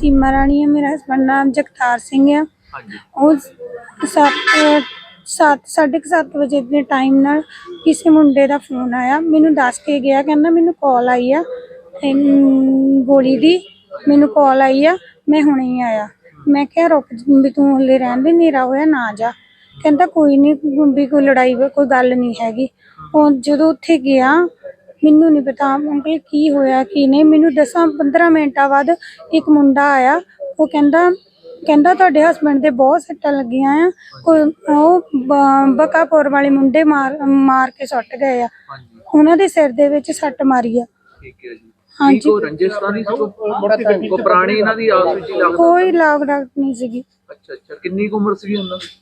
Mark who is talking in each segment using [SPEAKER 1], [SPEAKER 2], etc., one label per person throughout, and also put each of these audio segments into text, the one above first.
[SPEAKER 1] सीमा राणी है, मेरा हस्बैंड नाम जगतार सिंह है। साढ़े 7 बजे के टाइम नाल किसी मुंडे का फोन आया, मैनू दस के गया, कहना मैनू कॉल आई आ गोली दी, मैनू कॉल आई आ, मैं हुणे ही आया। मैं क्या रुक भी तू हले रहन दे, नेरा होया ना जा। कहता कोई नहीं भी कोई लड़ाई कोई गल नहीं हैगी। जो उत्थे गया मैनू नहीं पता अंकल की होया की नहीं। मैनू 10-15 मिनटां बाद एक मुंडा आया, वो कहंदा तुहाडे हस्बैंड दे बहुत सट्टां लगियां आ, कोई बकापुर वाले मुंडे मार के सुੱਟ गए आ, उन्हां दे सिर दे विच सੱਟ मारी आ। हाँ जी, कोई लाग डाक नहीं सीगी।
[SPEAKER 2] अच्छा, कितनी उम्र सी उन्हां दी?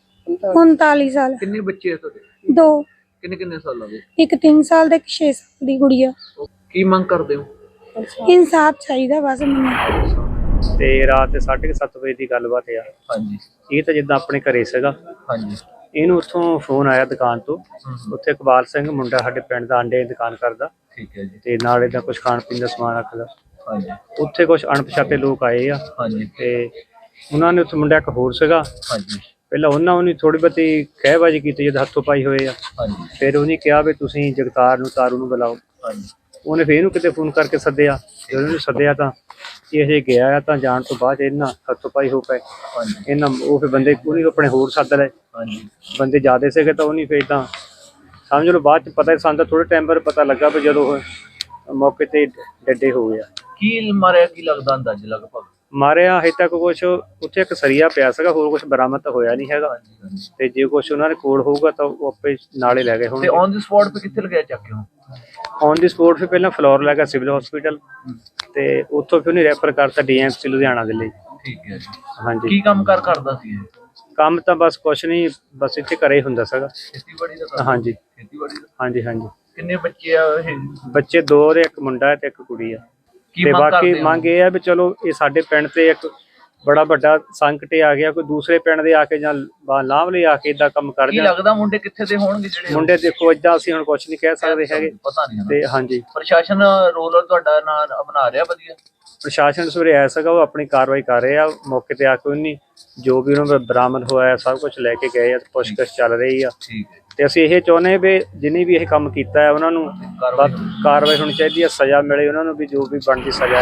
[SPEAKER 1] 39 साल।
[SPEAKER 2] कितने बच्चे है तुहाडे?
[SPEAKER 1] 2।
[SPEAKER 2] किन्ने साल दे?
[SPEAKER 1] एक 3 साल दा, एक 6 साल दी गुड़िया।
[SPEAKER 2] की मंग करदे हो?
[SPEAKER 1] इंसाफ चाहिदा बस मैनूं।
[SPEAKER 3] ਤੇ ਰਾਤ 7:30 ਵਜੇ ਦੀ ਗੱਲਬਾਤ ਆ।
[SPEAKER 2] ਹਾਂਜੀ,
[SPEAKER 3] ਇਹ ਤਾਂ ਜਿੱਦਾਂ ਆਪਣੇ ਘਰੇ ਸੀਗਾ।
[SPEAKER 2] ਹਾਂਜੀ,
[SPEAKER 3] ਇਹਨੂੰ ਉੱਥੋਂ ਫੋਨ ਆਇਆ ਦੁਕਾਨ ਤੋਂ, ਉੱਥੇ ਇਕਬਾਲ ਸਿੰਘ ਮੁੰਡਾ ਸਾਡੇ ਪਿੰਡ ਦਾ ਅੰਡੇ ਦੀ ਦੁਕਾਨ ਕਰਦਾ।
[SPEAKER 2] ਠੀਕ ਹੈ ਜੀ।
[SPEAKER 3] ਤੇ ਨਾਲ ਇਹਦਾ ਕੁਝ ਖਾਣ ਪੀਣ ਦਾ ਸਮਾਨ ਰੱਖਦਾ।
[SPEAKER 2] ਹਾਂਜੀ,
[SPEAKER 3] ਉੱਥੇ ਕੁਝ ਅਣਪਛਾਤੇ ਲੋਕ ਆਏ ਆ।
[SPEAKER 2] ਹਾਂਜੀ,
[SPEAKER 3] ਤੇ ਉਹਨਾਂ ਨੇ ਉੱਥੇ ਮੁੰਡਾ ਇੱਕ ਹੋਰ ਸੀਗਾ।
[SPEAKER 2] ਹਾਂਜੀ,
[SPEAKER 3] ਪਹਿਲਾਂ ਉਹਨੇ ਥੋੜੀ ਬਹੁਤੀ ਕਹਿਬਾਜੀ ਕੀਤੀ, ਜਦ ਹੱਥੋਂ ਪਾਈ ਹੋਏ ਆ।
[SPEAKER 2] ਹਾਂਜੀ, ਫਿਰ
[SPEAKER 3] ਉਹਨੇ ਕਿਹਾ ਵੀ ਤੁਸੀਂ ਜਗਤਾਰ ਨੂੰ ਤਾਰੂ ਨੂੰ ਬੁਲਾਓ।
[SPEAKER 2] ਹਾਂਜੀ,
[SPEAKER 3] ਉਹਨੇ ਫਿਰ ਇਹਨੂੰ ਕਿਤੇ ਫੋਨ ਕਰਕੇ ਸੱਦਿਆ। ਜਦੋਂ ਉਹਨੂੰ ਸੱਦਿਆ ਤਾਂ ਇਹ ਹਜੇ ਗਿਆ ਆ, ਤਾਂ ਜਾਣ ਤੋਂ ਬਾਅਦ ਇਹਨਾਂ ਹੱਥੋਂ ਪਾਈ ਹੋ ਪਏ। ਇਹਨਾਂ ਉਹ ਫਿਰ ਬੰਦੇ ਉਹਨੇ ਆਪਣੇ ਹੋਰ ਸੱਦ ਲਏ। ਬੰਦੇ ਜ਼ਿਆਦਾ ਸੀਗੇ ਤਾਂ ਉਹਨੇ ਫਿਰ ਤਾਂ ਸਮਝ ਲਓ ਬਾਅਦ 'ਚ ਪਤਾ ਸਾਨੂੰ ਥੋੜ੍ਹੇ ਟਾਈਮ ਬਾਅਦ ਪਤਾ ਲੱਗਾ ਵੀ ਜਦੋਂ ਉਹ ਮੌਕੇ 'ਤੇ ਡੱਡੇ ਹੋ ਗਿਆ।
[SPEAKER 2] ਕੀ ਮਾਰਿਆ, ਕੀ ਲੱਗਦਾ ਅੰਦਾਜ਼ੇ ਲਗਭਗ?
[SPEAKER 3] ਮਾਰਿਆ ਹਜੇ ਤੱਕ ਕੁਛ ਉੱਥੇ ਇੱਕ ਸਰੀਆ ਪਿਆ ਸੀਗਾ, ਹੋਰ ਕੁਛ ਬਰਾਮਦ ਤਾਂ ਹੋਇਆ ਨਹੀਂ ਹੈਗਾ। ਤੇ ਜੇ ਕੁਛ ਉਹਨਾਂ ਦੇ ਕੋਲ ਹੋਊਗਾ ਤਾਂ ਉਹ ਆਪੇ ਨਾਲੇ ਲੈ ਗਏ ਹੁਣ।
[SPEAKER 2] ਔਨ ਦੀ ਸਪੌਟ 'ਤੇ ਕਿੱਥੇ ਲਗਾਇਆ ਚੱਕ ਕੇ?
[SPEAKER 3] ਔਨ ਦੀ ਸਪੌਟ ਫਿਰ ਪਹਿਲਾਂ ਫਲੋਰ ਲੈ ਗਿਆ ਸਿਵਲ ਹਸਪੀਟਲ, ਤੇ ਉੱਥੋਂ ਫਿਰ ਉਹਨੇ ਰੈਫਰ ਕਰਤਾ DMC ਲੁਧਿਆਣਾ ਦੇ ਲਈ।
[SPEAKER 2] ਠੀਕ ਹੈ ਜੀ।
[SPEAKER 3] ਹਾਂਜੀ।
[SPEAKER 2] ਕੀ ਕੰਮ ਕਰਦਾ ਸੀ ਇਹ?
[SPEAKER 3] ਕੰਮ ਤਾਂ ਬਸ ਕੁਛ ਨਹੀਂ, ਬਸ ਇੱਥੇ ਘਰੇ ਹੀ ਹੁੰਦਾ ਸੀਗਾ।
[SPEAKER 2] ਖੇਤੀਬਾੜੀ ਦਾ?
[SPEAKER 3] ਹਾਂਜੀ,
[SPEAKER 2] ਖੇਤੀਬਾੜੀ ਦਾ।
[SPEAKER 3] ਹਾਂਜੀ, ਹਾਂਜੀ।
[SPEAKER 2] ਕਿੰਨੇ ਬੱਚੇ ਆ ਇਹ?
[SPEAKER 3] ਬੱਚੇ 2, ਇੱਕ ਮੁੰਡਾ ਤੇ ਇੱਕ ਕੁੜੀ ਆ। ਤੇ ਬਾਕੀ ਮੰਗ ਇਹ ਆ ਵੀ ਚਲੋ ਇਹ ਸਾਡੇ ਪਿੰਡ ਤੇ ਇੱਕ ਬੜਾ ਵੱਡਾ ਸੰਕਟ ਆ ਗਿਆ, ਕੋਈ ਦੂਸਰੇ ਪਿੰਡ ਦੇ ਆ ਕੇ ਜਾਂ ਲਾਭ ਲਈ ਆ ਕੇ ਏਦਾਂ ਕੰਮ ਕਰ ਜਾਣ।
[SPEAKER 2] ਲੱਗਦਾ ਮੁੰਡੇ ਕਿੱਥੇ ਦੇ ਹੋਣਗੇ ਜਿਹੜੇ?
[SPEAKER 3] ਮੁੰਡੇ ਦੇਖੋ ਏਦਾਂ ਅਸੀਂ ਹੁਣ ਕੁਛ ਨਹੀਂ ਕਹਿ ਸਕਦੇ ਹੈਗੇ,
[SPEAKER 2] ਪਤਾ ਨਹੀਂ।
[SPEAKER 3] ਤੇ ਹਾਂਜੀ,
[SPEAKER 2] ਪ੍ਰਸ਼ਾਸਨ ਰੋਲ ਤੁਹਾਡਾ ਨਾਲ ਬਣਾ ਰਿਹਾ ਵਧੀਆ?
[SPEAKER 3] ਪ੍ਰਸ਼ਾਸਨ ਸਵੇਰੇ ਆਇਆ ਸੀਗਾ, ਉਹ ਆਪਣੀ ਕਾਰਵਾਈ ਕਰ ਰਹੇ ਆ। ਮੌਕੇ ਤੇ ਆ ਕੇ ਉਹਨੇ ਜੋ ਵੀ ਉਹਨਾਂ ਨੂੰ ਬਰਾਮਦ ਹੋਇਆ ਸਭ ਕੁਝ ਲੈ ਕੇ ਗਏ ਆ, ਪੁੱਛਗਿੱਛ ਚੱਲ ਰਹੀ ਆ। ਤੇ ਅਸੀਂ ਇਹ ਚਾਹੁੰਦੇ ਵੀ ਜਿਹਨੇ ਵੀ ਇਹ ਕੰਮ ਕੀਤਾ ਹੈ ਉਹਨਾਂ ਨੂੰ ਕਾਰਵਾਈ ਹੋਣੀ ਚਾਹੀਦੀ ਹੈ, ਸਜ਼ਾ ਮਿਲੇ ਉਹਨਾਂ ਨੂੰ ਵੀ ਜੋ ਵੀ ਬਣਦੀ ਸਜ਼ਾ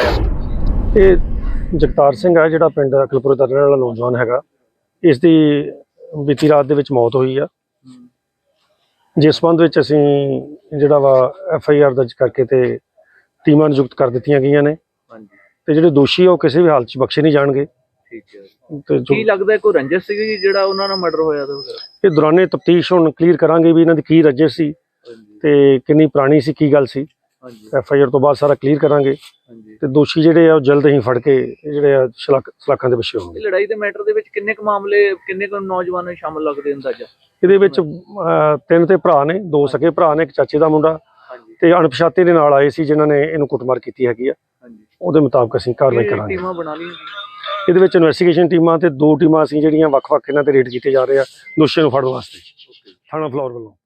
[SPEAKER 3] ਆ।
[SPEAKER 4] ਇਹ ਜਗਤਾਰ ਸਿੰਘ ਹੈ ਜਿਹੜਾ ਪਿੰਡ ਅਕਲਪੁਰ ਦਾ ਰਹਿਣ ਵਾਲਾ ਨੌਜਵਾਨ ਹੈਗਾ। ਇਸ ਦੀ ਬੀਤੀ ਰਾਤ ਦੇ ਵਿੱਚ ਮੌਤ ਹੋਈ ਆ, ਜਿਸ ਸੰਬੰਧ ਵਿੱਚ ਅਸੀਂ ਜਿਹੜਾ ਵਾ FIR ਦਰਜ ਕਰਕੇ ਤੇ ਟੀਮਾਂ ਨਿਯੁਕਤ ਕਰ ਦਿੱਤੀਆਂ ਗਈਆਂ ਨੇ। ਤੇ ਜਿਹੜੇ ਦੋਸ਼ੀ ਆ ਉਹ ਕਿਸੇ ਵੀ ਹਾਲਤ 'ਚ ਬਖਸ਼ੇ ਨਹੀਂ ਜਾਣਗੇ।
[SPEAKER 2] ਠੀਕ ਹੈ। ਤੇ ਕੀ ਲੱਗਦਾ ਕੋਈ ਰੰਜਿਸ਼ ਸੀਗੀ ਜਿਹੜਾ ਉਹਨਾਂ ਨਾਲ ਮਰਡਰ ਹੋਇਆ?
[SPEAKER 4] ਇਹ ਦੌਰਾਨੇ ਤਫਤੀਸ਼ ਹੁਣ ਕਲੀਅਰ ਕਰਾਂਗੇ ਵੀ ਇਹਨਾਂ ਦੀ ਕੀ ਰੰਜਿਸ਼ ਸੀ ਤੇ ਕਿੰਨੀ ਪੁਰਾਣੀ ਸੀ, ਕੀ ਗੱਲ ਸੀ। FIR ਤੋਂ ਬਾਅਦ ਸਾਰਾ ਕਲੀਅਰ ਕਰਾਂਗੇ ਤੇ ਦੋਸ਼ੀ ਜਿਹੜੇ ਆ ਉਹ ਜਲਦ ਹੀ ਫੜ ਕੇ ਜਿਹੜੇ ਆ ਸਲਾਖਾਂ ਦੇ ਪਿੱਛੇ ਹੋਣਗੇ।
[SPEAKER 2] ਲੜਾਈ ਦੇ ਮੈਟਰ ਦੇ ਵਿੱਚ ਕਿੰਨੇ ਕੁ ਮਾਮਲੇ, ਕਿੰਨੇ ਕੁ ਨੌਜਵਾਨ ਸ਼ਾਮਲ ਲੱਗਦੇ ਅੰਦਾਜ਼ਾ?
[SPEAKER 4] ਇਹਦੇ ਵਿੱਚ 3 ਤੇ ਭਰਾ ਨੇ, 2 ਸਕੇ ਭਰਾ ਨੇ, ਇੱਕ ਚਾਚੇ ਦਾ ਮੁੰਡਾ ਤੇ ਅਣਪਛਾਤੇ ਦੇ ਨਾਲ ਆਏ ਸੀ ਜਿਨ੍ਹਾਂ ਨੇ ਇਹਨੂੰ ਕੁੱਟਮਾਰ ਕੀਤੀ ਹੈਗੀ ਆ। ਉਹਦੇ ਮੁਤਾਬਕ ਅਸੀਂ ਕਾਰਵਾਈ ਕਰਾਂਗੇ।
[SPEAKER 2] ਟੀਮਾਂ ਬਣਾ ਲਈਆਂ
[SPEAKER 4] ਇਹਦੇ ਵਿੱਚ ਇਨਵੈਸਟੀਗੇਸ਼ਨ ਟੀਮਾਂ ਤੇ 2 ਟੀਮਾਂ ਅਸੀਂ ਜਿਹੜੀਆਂ ਵੱਖ-ਵੱਖ ਇਹਨਾਂ ਤੇ ਰੇਡ ਕੀਤੇ ਜਾ ਰਹੇ ਆ ਦੋਸ਼ੀਆਂ ਨੂੰ ਫੜਨ ਵਾਸਤੇ ਥਾਣਾ ਫਲੋਰ ਵੱਲੋਂ।